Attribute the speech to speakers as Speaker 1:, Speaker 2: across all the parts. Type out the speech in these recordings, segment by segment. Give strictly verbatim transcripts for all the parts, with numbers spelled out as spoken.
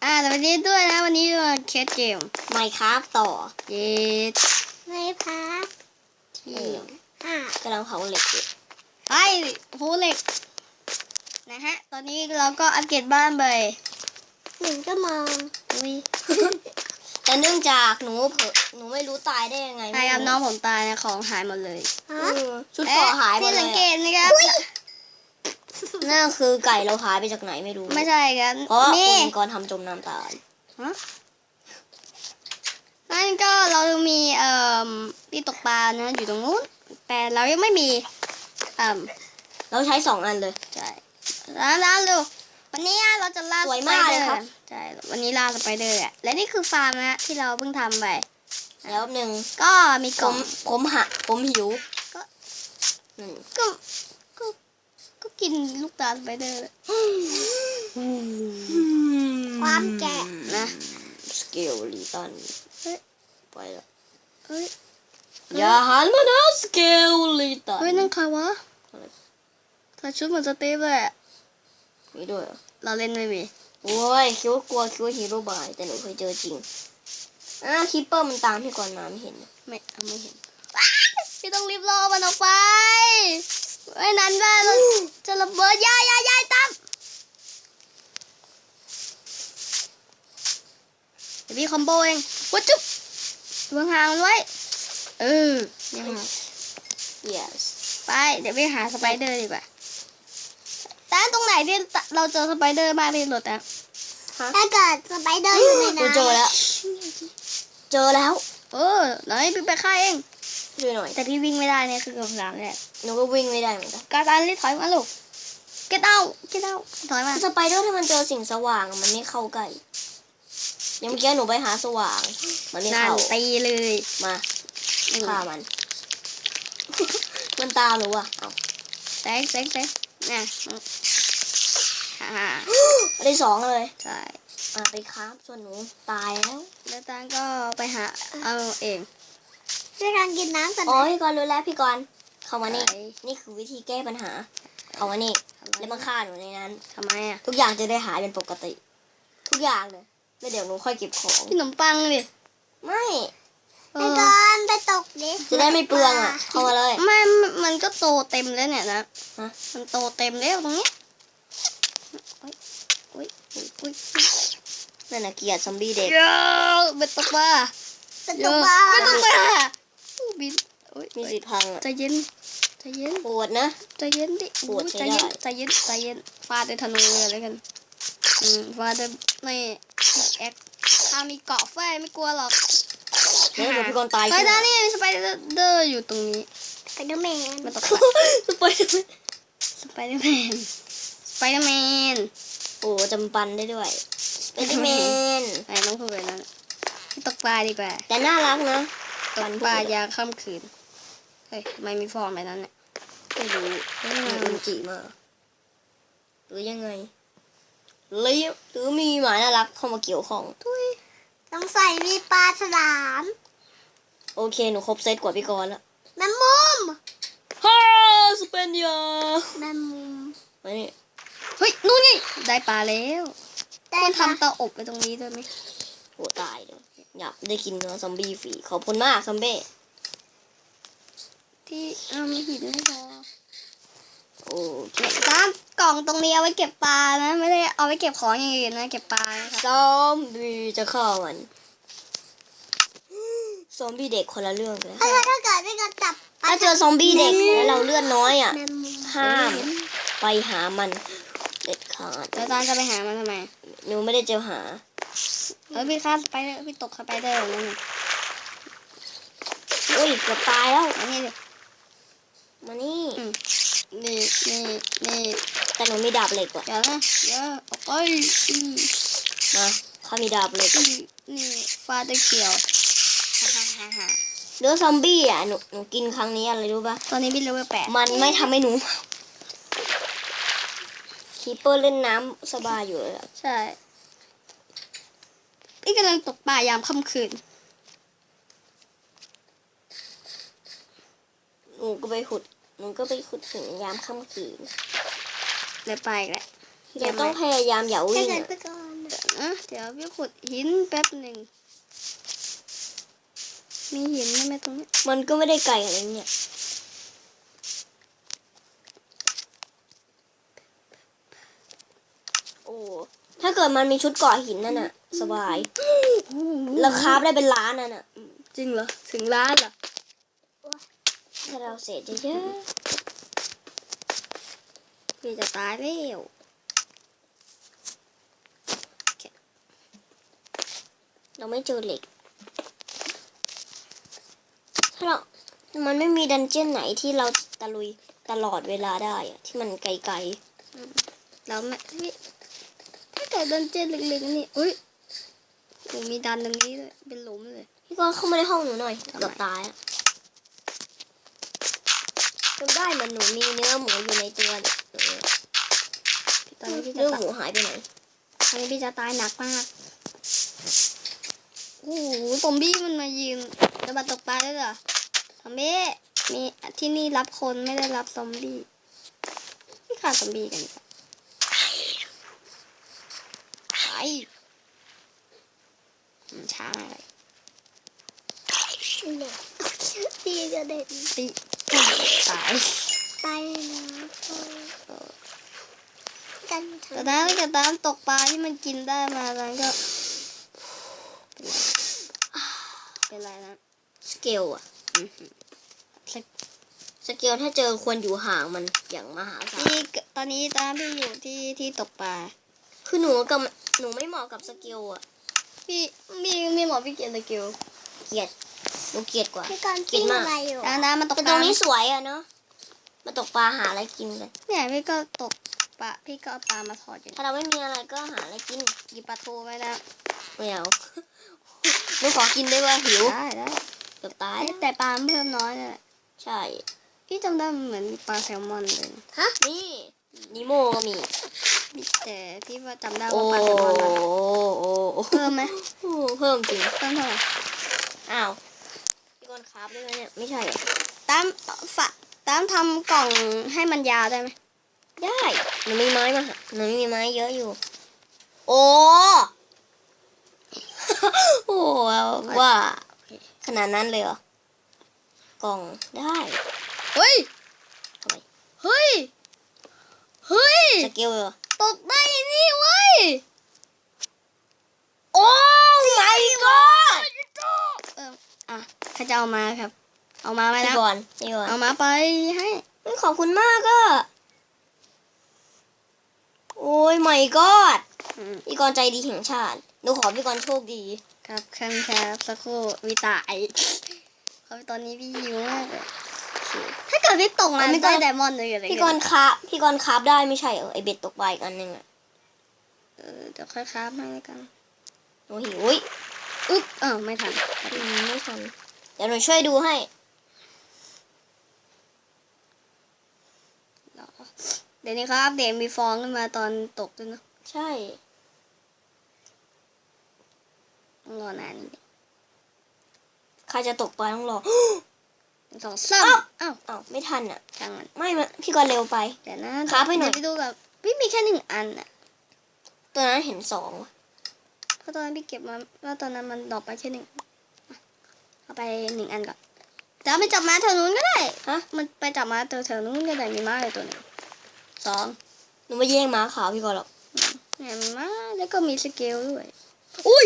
Speaker 1: อ่าแต่วันนี้ด้วยนะวันนี้เราเคสเกม
Speaker 2: Minecraft ต่อ
Speaker 1: เย็ด
Speaker 3: ไม่พัก
Speaker 1: ที่
Speaker 3: อ่ะ
Speaker 2: กำลังเผาเหล็กอยู่
Speaker 1: ไอ้โหเหล็กนะฮะตอนนี้เราก็อัปเกรดบ้านไป
Speaker 3: หนึ่งก็มอง
Speaker 1: อุ้ย
Speaker 2: แต่เนื่องจากหนูเผลอหนูไม่รู้ตายได้ยังไง
Speaker 1: ใครครับน้องผมตายนะของหายหมดเลย
Speaker 3: ฮะ
Speaker 2: เออชุดเกราะหายหมด
Speaker 1: ที่
Speaker 2: เล
Speaker 1: สัง
Speaker 2: ย
Speaker 1: เก
Speaker 2: อะ
Speaker 1: ตนะครับ
Speaker 2: นั่นคือไก่เราหายไปจากไหนไม่รู้
Speaker 1: ไม่ใช่ครับ
Speaker 2: เพราะว่า
Speaker 1: นี่
Speaker 2: คุณกรณ์ทำจมน้ำตาย
Speaker 1: ฮะนั่นก็เรามีเอ่อที่ตกปลานะอยู่ตรงนู้นแต่เรายังไม่มีเอ่อ
Speaker 2: เราใช้สองอันเลย
Speaker 1: ใช่แล้วแล้วดูวันนี้เราจะล่า
Speaker 2: สวย
Speaker 1: สไป
Speaker 2: มาก
Speaker 1: เด
Speaker 2: เล
Speaker 1: อย ร์
Speaker 2: ครับ
Speaker 1: ใช่วันนี้ล่าสไปเดอร์อะและนี่คือฟาร์มนะที่เราเพิ่งทำไป
Speaker 2: แล้วหนึ่ง
Speaker 1: ก็มี
Speaker 2: ผ
Speaker 1: กล่อง
Speaker 2: มผมหะผมหิว
Speaker 1: ก็
Speaker 2: อืม
Speaker 1: ก็ก็ก็กินลูกตาลสไปเดอร์
Speaker 3: ความแก่
Speaker 1: นะ
Speaker 2: สเกลลีตัน
Speaker 1: เฮ้ย
Speaker 2: ไปแล้ว
Speaker 1: เฮ้ย
Speaker 2: อย่าหันมานะสเกลลีตัน
Speaker 1: เฮ้ยนั่นใครวะ
Speaker 2: อะไร
Speaker 1: ใส่ชุดเหมือนสตีฟเลยอะ
Speaker 2: มีด้วยเหรอ
Speaker 1: เราเล่นไม่มี
Speaker 2: โอ้ยคิดว่ากลัวคิดว่าฮีโร่บายแต่หนูเคยเจอจริงอ่ะคิปเปอร์มันตามพี่ก่อนมาไม่เห็นนะ
Speaker 1: ไม่เอาไม่เห็นว้ายพี่ต้องรีบรอมันออกไปไม่นั้นว่าเราจะระเบิดยายยายยายตั้มเดี๋ยวพี่คอมโบเองวัดจุ๊บวางห่างมันไว้เออยังห่าง
Speaker 2: yes
Speaker 1: ไปเดี๋ยวไปหาสไปเดอร์ดีกว่าแต่ตรงไหนที่เราเจอสไปเดอร์มากที่สุดอะ
Speaker 2: ฮะ
Speaker 3: ถ้าเกิดสไปเดอร์อยู่ใน
Speaker 2: หนู
Speaker 3: น้ำ
Speaker 2: เจอแล้ว เจอแล้ว
Speaker 1: เออไหนพี่ไปฆ่าเอง
Speaker 2: ช่วยหน่อย
Speaker 1: แต่พี่วิ่งไม่ได้เนี่ยคือคำถามเนี่ย
Speaker 2: หนูก็วิ่งไม่ได้เหมือนกัน
Speaker 1: การตันรีบถอยมาลูก get out get out ถอยมา
Speaker 2: สไปเดอร์ถ้ามันเจอสิ่งสว่างอะมันไม่เข้าใกล้ยังเมื่อกี้หนูไปหาสว่าง มันไม่
Speaker 1: นั่น
Speaker 2: เข้า
Speaker 1: ตีเลย
Speaker 2: มาฆ่ามัน มันตามหนูอ่ะเอา
Speaker 1: แซงแซงแซงน่ะฮ่า
Speaker 2: ได้สองเลย
Speaker 1: ใช่
Speaker 2: อ่ะไปครับส่วนหนูตายแล้ว
Speaker 1: แล้วตันก็ไปหาเอาเอง
Speaker 3: ช่วยทางกินน้ำกัน
Speaker 2: อ๋อ
Speaker 3: นะ
Speaker 2: พี่กรณ์รู้แล้วพี่กรณ์เข้ามานี่
Speaker 1: ไป
Speaker 2: นี่คือวิธีแก้ปัญหา เข้ามานี่ แล้วมาฆ่าหนูในนั้น
Speaker 1: ทำไมอ่ะ
Speaker 2: ทุกอย่างจะได้หายเป็นปกติ ทุกอย่างเลยแล้วเดี๋ยวหนูค่อยเก็บของ
Speaker 1: พี่ขนมปังดิ
Speaker 2: ไม่
Speaker 1: เอ
Speaker 3: ไป
Speaker 1: อ
Speaker 3: ก่อนไปตกดิ
Speaker 2: จะได้ไม่เปลืองอ่ะ เข้ามาเลย
Speaker 1: ไม่มันก็โตเต็มแล้วเนี่ยนะ
Speaker 2: ฮะ
Speaker 1: มันโตเต็มแล้วตรงเนี้ยอุ้ยอุ้ยอุ้ยอุ้ย
Speaker 2: นั่นน่ะเกลียดซอมบี้เด็ก
Speaker 1: เยอะเบ็ดตกปลา
Speaker 3: ไป
Speaker 1: เย
Speaker 3: ตก
Speaker 1: อะ
Speaker 3: ปลา
Speaker 1: เบ็ดตกปลาอู้บินอุ้ย
Speaker 2: มีสิทธิ์พังอ่ะ
Speaker 1: ใจเย็นใจเย็น
Speaker 2: ปวดนะ
Speaker 1: ใจเย็นดิ
Speaker 2: ปวด
Speaker 1: อุ๊ย
Speaker 2: ใช้
Speaker 1: ใจเย็น
Speaker 2: ได้
Speaker 1: ใจเย็นใจเย็นฟาดด้วยธนูเลยอะไรกันอืมฟาดด้วยไม่แอคถ้ามีเกาะแฟ้ไม่กลัวหรอก
Speaker 2: เดี๋ยวเดี๋ยวพี่กรณ์ตาย
Speaker 1: เฮ้ยด้านนี้มีสไปเดอร์อยู่ตรงนี้
Speaker 3: ไปเดอร์แมน
Speaker 1: มันตก
Speaker 2: สไปเดอร์แมน
Speaker 1: สไปเดอร์แมนสไปเดอร์แมน
Speaker 2: โอ้จำปันได้ด้วยสไปเดอร์แมน
Speaker 1: ไอ้น้องพูดไปนั่นที่ตกปลาดีกว่า
Speaker 2: แต่น่ารักนะ
Speaker 1: ตกปลายามค่ำคืนเฮ้ยทำไมมีฟองแบบนั้นเนี่ย
Speaker 2: ไม่รู้มีอุจิมาหรือยังไงหรือหรือมีหมาน่ารักเข้ามาเกี่ยวข้อง
Speaker 1: ทุย
Speaker 3: ต้องใส่มีปลาฉลาม
Speaker 2: โอเคหนูครบเซตกว่าพี่กรณ์แล้ว
Speaker 3: แมมมุม
Speaker 2: ฮ่าสเปนยา
Speaker 3: แมมมุม
Speaker 2: มานี่
Speaker 1: เฮ้ยนู่นไงได้ปลาแล้ว
Speaker 3: ได้
Speaker 1: ควร
Speaker 3: ปะ
Speaker 1: ทำเตาอบไปตรงนี้ด้วยไหม
Speaker 2: โหตายเลยอยากได้กินเนื้อซอมบี้ฟรีขอบคุณมากซอมบี้
Speaker 1: ที่เอามีหินไม่พอ
Speaker 2: โอเค
Speaker 1: ตามกล่องตรงนี้เอาไว้เก็บปลานะ ไม่ได้เอาไว้เก็บของอย่างอื่นนะเก็บปลานะครับ
Speaker 2: ซอมบี้จะเข้ามันซอมบี้เด็กคนละเรื่องเลย
Speaker 3: ถ้าถ้าเกิดไม่กระจับปล
Speaker 2: ถ้าเจอซอมบี้เด็กแล้วเราเลือดน้อยอ่ะ
Speaker 3: แมมมุม
Speaker 2: ห้ามไปหามันเด็ดขาด
Speaker 1: แล้วตามจะไปหามันทำไม
Speaker 2: หนูไม่ได้เจอหา
Speaker 1: เออพี่ฆ่าสไปเดอร์พี่ตกสไปเดอร์อย่างนั้นน่ะ
Speaker 2: อุ้ยเกือบตายแล้ว
Speaker 1: อันนี้ดิ
Speaker 2: มานี่
Speaker 1: อืมนี่นี่นี่
Speaker 2: แต่หนูมีดาบเหล็กว่ะ
Speaker 1: เดี๋ยวนะเดี๋ยวออกไปอืม
Speaker 2: มาข้ามีดาบเหล็ก
Speaker 1: อืมนี่ฟาดด้วยเขียวฮ่าฮ่าฮ่าฮ่า
Speaker 2: เนื้อซอมบี้อ่ะหนูหนูกินครั้งนี้อะไรรู้ปะ
Speaker 1: ตอนนี้พี่เลเวลแปด
Speaker 2: มันไม่ทำให้หนูคีเปอร์เล่นน้ำสบายอยู่เลยอะ
Speaker 1: ใช่พี่กำลังตกปลายามค่ำคืน
Speaker 2: หนูก็ไปขุดหนูก็ไปขุดถึงยามค่ำคืน
Speaker 1: เลยไปอีกแหละ
Speaker 2: เราต้องพยายามอย่า
Speaker 3: ถ้า
Speaker 2: วิ่ง
Speaker 3: เกิด
Speaker 2: อะ
Speaker 3: ไปก่อนน
Speaker 1: เดี๋ยวนะเดี๋ยวพี่ขุดหินแป๊บหนึ่งมีหินไหมตรงนี้
Speaker 2: มันก็ไม่ได้ไกลอะไรเนี่ยโอ้ถ้าเกิดมันมีชุดเกราะหินนั่นน่ะ สบายแล้วคราฟได้เป็นล้านนั่นน่ะ
Speaker 1: จริงเหรอถึงล้านเหรอ
Speaker 2: ถ้าเราเสร็จเยอะ
Speaker 1: พี่จะตายแล้ว
Speaker 2: ๆเราไม่เจอเหล็ก ถ้าเรา มันไม่มีดันเจี้ยนไหนที่เราตะลุยตลอดเวลาได้อะที่มันไกล
Speaker 1: เราไม่พี่ถ้าเกิดดันเจี้ยนเล็กๆนี่อุ้ยโอ้มีดันตรงนี้เลยเป็นหลุมเลย
Speaker 2: ๆพี่กรณ์เข้ามาในห้องหนูหน่อยเกือบตายอะจนได้เหมันหนูมีเนื้อหมูอยู่ในตัวเนี่ยเออ
Speaker 1: ตอนนี้พี่จะ
Speaker 2: เนื้อห
Speaker 1: ตาย
Speaker 2: มูหายไปไหน
Speaker 1: ตอนนี้พี่จะตายหนักมากโอ้โหซอมบี้มันมายืนระบาดตกปลาได้เหรอซอมบี้มีที่นี่รับคนไม่ได้รับซอมบี้พี่ขาดซอมบี้กันจ้ะไปอืมช้าอะไร
Speaker 3: ตีกระเด็น
Speaker 1: ตีตาย
Speaker 3: ไปนะกันเถ
Speaker 1: แต่
Speaker 3: อะ
Speaker 1: ถ้าเกิดตามตกปลาที่มันกินได้มาแล้วก็เป็นไรนะ
Speaker 2: สเกลอะ
Speaker 1: อือหือสัก
Speaker 2: สเกลถ้าเจอควรอยู่ห่างมันอย่างมหาศาล
Speaker 1: พี่ตอนนี้ตามพี่อยู่ที่ที่ตกปลา
Speaker 2: คือหนูกับหนูไม่เหมาะกับสเกลอะ
Speaker 1: พี่มีมีหมอพี่เกียรติเกียว
Speaker 2: เกลียดหนูเกลียดกว่า
Speaker 3: พี่การปิ้งอะไรอยู่
Speaker 1: น้ำน้ำมันตก
Speaker 2: แต่
Speaker 1: ป
Speaker 2: ตร
Speaker 1: ลาง
Speaker 2: นี้สวยอะเนาะมาตกปลาหาอะไรกินกัน
Speaker 1: เนี่ยพี่ก็ตกปลาพี่ก็เอาปลามาทอดอยู่
Speaker 2: ถ้าเราไม่มีอะไรก็หาอะไรกิน
Speaker 1: หยิบปลาทูไว้แล้ว
Speaker 2: ไม่เอา หนูขอกินได้ว่าหิว
Speaker 1: ได้ได้
Speaker 2: เกือบตาย
Speaker 1: แต่ปลามันเพิ่มน้อยเลย
Speaker 2: ใช่
Speaker 1: พี่จำได้มันเหมือนมีปลาแซลมอนเลยนะ
Speaker 2: ฮะนี่นิโมก็มี
Speaker 1: แต่พี่ว่าจำได้
Speaker 2: โอ้
Speaker 1: ว่าปลาแซลมอนนะ
Speaker 2: โอ้โอ้
Speaker 1: เพิ่มไหม
Speaker 2: โอ้เพิ่มจริง
Speaker 1: เพิ่มเท่าไหร่
Speaker 2: อ้าวพี่กรณ์คราฟได้ไหมเนี่ยไม่ใช่เหรอ
Speaker 1: ตามฝะตามทำกล่องให้มันยาวได้ไหม
Speaker 2: ได้หนูมีไม้มาหาหนูมีไม้เยอะอยู่ โอ้ โอ้ว่าขนาดนั้นเลยเหรอกล่องได้
Speaker 1: เฮ้ย
Speaker 2: ทำไม
Speaker 1: เฮ้ยเฮ้ย
Speaker 2: สเกลเหรอ
Speaker 1: ตกได้นี่เว้ย
Speaker 2: โอ้ my god
Speaker 1: เอออ่ะใครจะเอามาครับ เอามาไหม
Speaker 2: พี่
Speaker 1: นะ
Speaker 2: กรณ์พี่กรณ์
Speaker 1: เอามาไปให้
Speaker 2: เฮ้ยขอบคุณมากก็โอ้ย my god
Speaker 1: อืม
Speaker 2: พี่กรณ์ใจดีแห่งชาติหนูขอพี่กรณ์โชคดี
Speaker 1: ครับเครื่องแคบสักครู่วิตายเขาตอนนี้พี่หิวมากเลยถ้าเกิดพี่ตกมา
Speaker 2: เอาไม่
Speaker 1: ได้
Speaker 2: ต้อง
Speaker 1: ไดมอนด์เลยอะไร
Speaker 2: พี่กรณ์คราฟพี่กรณ์คราฟได้ไม่ใช่เหรอไอเบ็ดตกปลาอีกอันหนึงอะ
Speaker 1: เออเดี๋ยวค่อยคราฟให้แล้วกัน
Speaker 2: หนูหิวอุ๊ย
Speaker 1: อึ๊บอ้าวไม่ทัน
Speaker 2: อืมไม่ทันเดี๋ยวหนูช่วยดูให้
Speaker 1: เดี๋ยวนี้เขาอัปเดตมีฟองขึ้นมาตอนตกด้วยเนอะ
Speaker 2: ใช่
Speaker 1: ต้องรอนานนิดนึง
Speaker 2: ใครจะตกปลาต้องรอ
Speaker 1: หนึ่งสองสาม
Speaker 2: อ้าว
Speaker 1: อ้าว
Speaker 2: อ้าวไม่ทันอ่ะ
Speaker 1: ช่างมัน
Speaker 2: ไม่มาพี่กรณ์เร็วไป
Speaker 1: เดี๋ยวนะ
Speaker 2: คราฟให้หน่อย
Speaker 1: เดี๋ยวไปดูกับพี่มีแค่หนึ่งอันอ่ะ
Speaker 2: ตัวนั้นเห็นสองว่ะ
Speaker 1: เพราะตอนนั้นพี่เก็บมาแล้วตอนนั้นมันดรอกไปแค่หนึ่งอ่ะเอาไปหนึ่งอันก่อนแต่เอาไปจับม้าแถวนู้นก็ได้
Speaker 2: ฮะ
Speaker 1: มันไปจับม้าแถวแถวนู้นก็ได้มีม้าอยู่ตัวหนึ่งสอง
Speaker 2: หนูไม่แย่งม้าขาวพี่กรณ์หรอก
Speaker 1: เนี่ยมีม้าแล้วก็มีสเกลด้วยอุ้ย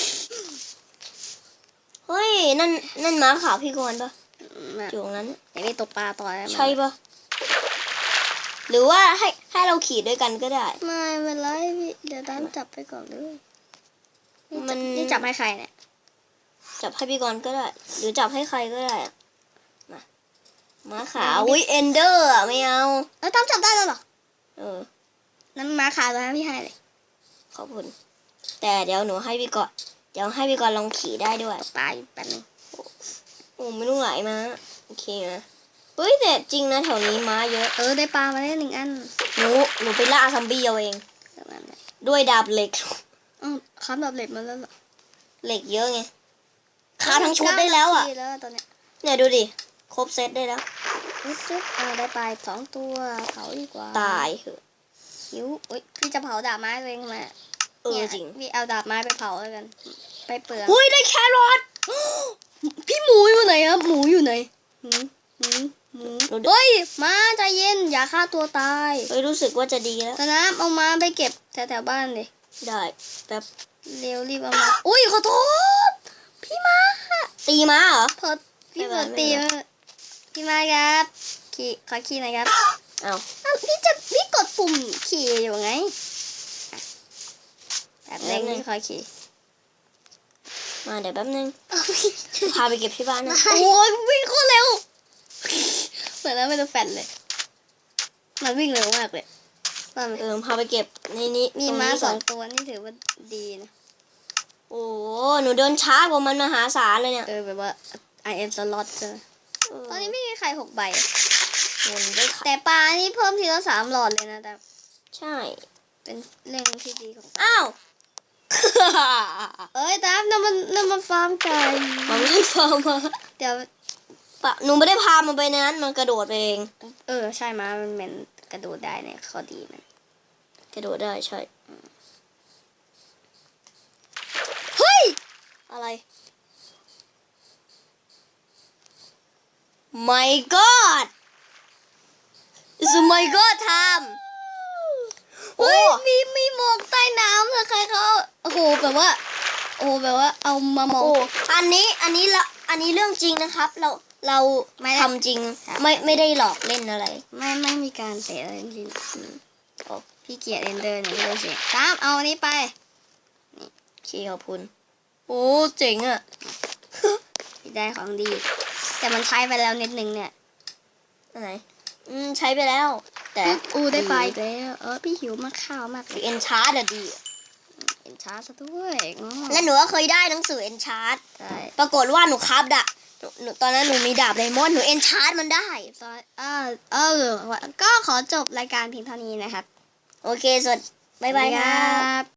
Speaker 2: เฮ้ยนั่นนั่นม้าขาวพี่กรณ์ปะ
Speaker 1: มา
Speaker 2: อยู่ตรงนั้น
Speaker 1: เดี๋ยวไปตกปลาต่อได้ไหม
Speaker 2: ใช่ปะหรือว่าให้ให้เราขี่ด้วยกันก็ได้
Speaker 1: ไม่เป็นไรพี่เดี๋ยวตามจับไปก่อนเลย
Speaker 2: มัน
Speaker 1: นี่จับให้ใครเนี่ย
Speaker 2: จับให้พี่กรณ์ก็ได้ หรือจับให้ใครก็ได้อะมาม้าขาวอุ้ยเอนเดอร์อะไม่เอา
Speaker 1: แล้วตามจับได้แล้วเหรอ
Speaker 2: เออ
Speaker 1: นั้นม้าขาวตัวนั้นพี่ให้เลย
Speaker 2: ขอบคุณ แต่เดี๋ยวหนูให้พี่กรณ์เดี๋ยวให้พี่กรณ์ลองขี่ได้ด้วย
Speaker 1: ปลาอยู่แป๊บนึง
Speaker 2: โอ้ไม่ต้องไหลมาโอเคนะเฮ้ยแต่จริงนะแถวนี้ม้าเยอะ
Speaker 1: เออได้ปลามาได้หนึ่งอัน
Speaker 2: หนูหนูไปล่าซอมบี้เอาเอง
Speaker 1: เดี๋ยวนั้นเลย
Speaker 2: ด้วยดาบเหล็ก
Speaker 1: อ๋อค้ำแบบเหล็กมาแล้วเหรอ
Speaker 2: เหล็กเยอะไงคาทั้งชุดได้แล้วอ่ะ
Speaker 1: เก้านาทีแล้วตอนเนี้ย
Speaker 2: เนี่ยดูดิครบเซตได้แล้ว
Speaker 1: จุ๊บจุ๊บอ่าได้ปลาสองตัวเผาดีกว่า
Speaker 2: ตายเหอะ
Speaker 1: หิวอุ้ยพี่จะเผาดาบไม้ตัวเองทำไม
Speaker 2: เออจริง
Speaker 1: พี่เอาดาบไม้ไปเผาแล้วกัน ไปเปลือง
Speaker 2: อุ้ยได้แครอท
Speaker 1: พี่หมูอยู่ไหนครับ หมูอยู่ไหนหมูหมูหมู
Speaker 2: หนู
Speaker 1: เฮ้ย มาใจเย็น อย่าฆ่าตัวตาย
Speaker 2: เฮ้ยรู้สึกว่าจะดีแล้ว
Speaker 1: ตอนน้ำเอามาไปเก็บแถวๆบ้านเลย
Speaker 2: ได้แป๊บ
Speaker 1: เร็วรีบเอามา อุ้ยขอโทษ พี่มา
Speaker 2: ตีม้าเหรอ
Speaker 1: เพิดพี่
Speaker 2: ไม่
Speaker 1: เพิ
Speaker 2: เป็นไร
Speaker 1: ดตี
Speaker 2: ไม่เป็นไร
Speaker 1: มาพี่มาครับขี่ขอขี่หน่อยครับ
Speaker 2: เอา
Speaker 1: อ้าวพี่จะพี่กดปุ่มขี่อยู่ไงอ่ะแบบนึงพี่ขอขี่
Speaker 2: มาเดี๋ยวแป๊บนึงพาไปเก็บที่บ้านนะ
Speaker 1: โอ้ยวิ่งโคตรเร็ว เหมือนแล้วไม่ต้องแฟนเลย มันวิ่งเร็วมากเลยว่ามัน
Speaker 2: เออพาไปเก็บในนี้
Speaker 1: มี
Speaker 2: ตรง
Speaker 1: ม้า
Speaker 2: นี้
Speaker 1: ส
Speaker 2: ก่
Speaker 1: อน งตัวนี่ถือว่าดีนะ
Speaker 2: โอ้หนูเดินช้ากว่ามันมหาศาลเลยเนี่ย
Speaker 1: เออแบบว่า I am slot เจอ
Speaker 2: เออ
Speaker 1: ตอนนี้ไม่มีใครหกใบ
Speaker 2: เงินได้ค่ะ
Speaker 1: แต่ปลานี่เพิ่มทีละสามหลอดเลยนะแต่
Speaker 2: ใช่
Speaker 1: เป็นเรื่องที่ดีของ
Speaker 2: อ้าว
Speaker 1: เอ้ยตามนั่นมันนั่นมันฟาร์มไก่
Speaker 2: มันไม่ได้ฟาร์มมา
Speaker 1: เดี๋ยว
Speaker 2: ปะหนูไม่ได้พามันไปในนั้นมันกระโดดไปเอง
Speaker 1: เออใช่ม้ามันเป็นกระโดดได้เนี่ยข้อดีมัน
Speaker 2: กระโดดได้ใช่
Speaker 1: เฮ้ย
Speaker 2: อะไร My God It's my God time โอ้
Speaker 1: เฮ้ยมีมีหมอกใต้น้ำเลยใครเขาโอ้โหแบบว่า โอ้โหแบบว่าเอามามอง
Speaker 2: โอ้อันนี้อันนี้ละอันนี้เรื่องจริงนะครับ เราเรา
Speaker 1: ไม่ได้
Speaker 2: ทำจริงไม่ไม่ได้หลอกเล่นอะไร
Speaker 1: ไม่ไม่มีการเตะอะไรจริงๆอืมโอ้พี่เกียรเอนเดอร์เนี่ยดูสิตามเอาอันนี้ไป
Speaker 2: ขี้ขอบคุณ โอ้เจ๋งอ่ะ
Speaker 1: พี่ได้ของดี แต่มันใช้ไปแล้วนิดนึงเนี่ย
Speaker 2: อันไหนอืมใช้ไปแล้ว แต่
Speaker 1: อู้ได้ปลาอีกแล้วเออพี่หิวมากข้าวมากเลย
Speaker 2: เอ็นชาร์ดอะดี
Speaker 1: เห็นช้าซะด้วยอ๋อ
Speaker 2: และหนูก็เคยได้หนังสือเอ็นชาร์ด
Speaker 1: ใช่
Speaker 2: ปรากฏว่าหนูครับดะหนูหนูตอนนั้นหนูมีดาบไดมอนด์หนูเอ็นชาร์ดมันได้
Speaker 1: ซอยเออเออก็ขอจบรายการเพียงเท่านี้นะครับ
Speaker 2: โอเคสวัสดีบ๊ายบาย
Speaker 1: สวัสดี
Speaker 2: ครับ
Speaker 1: บ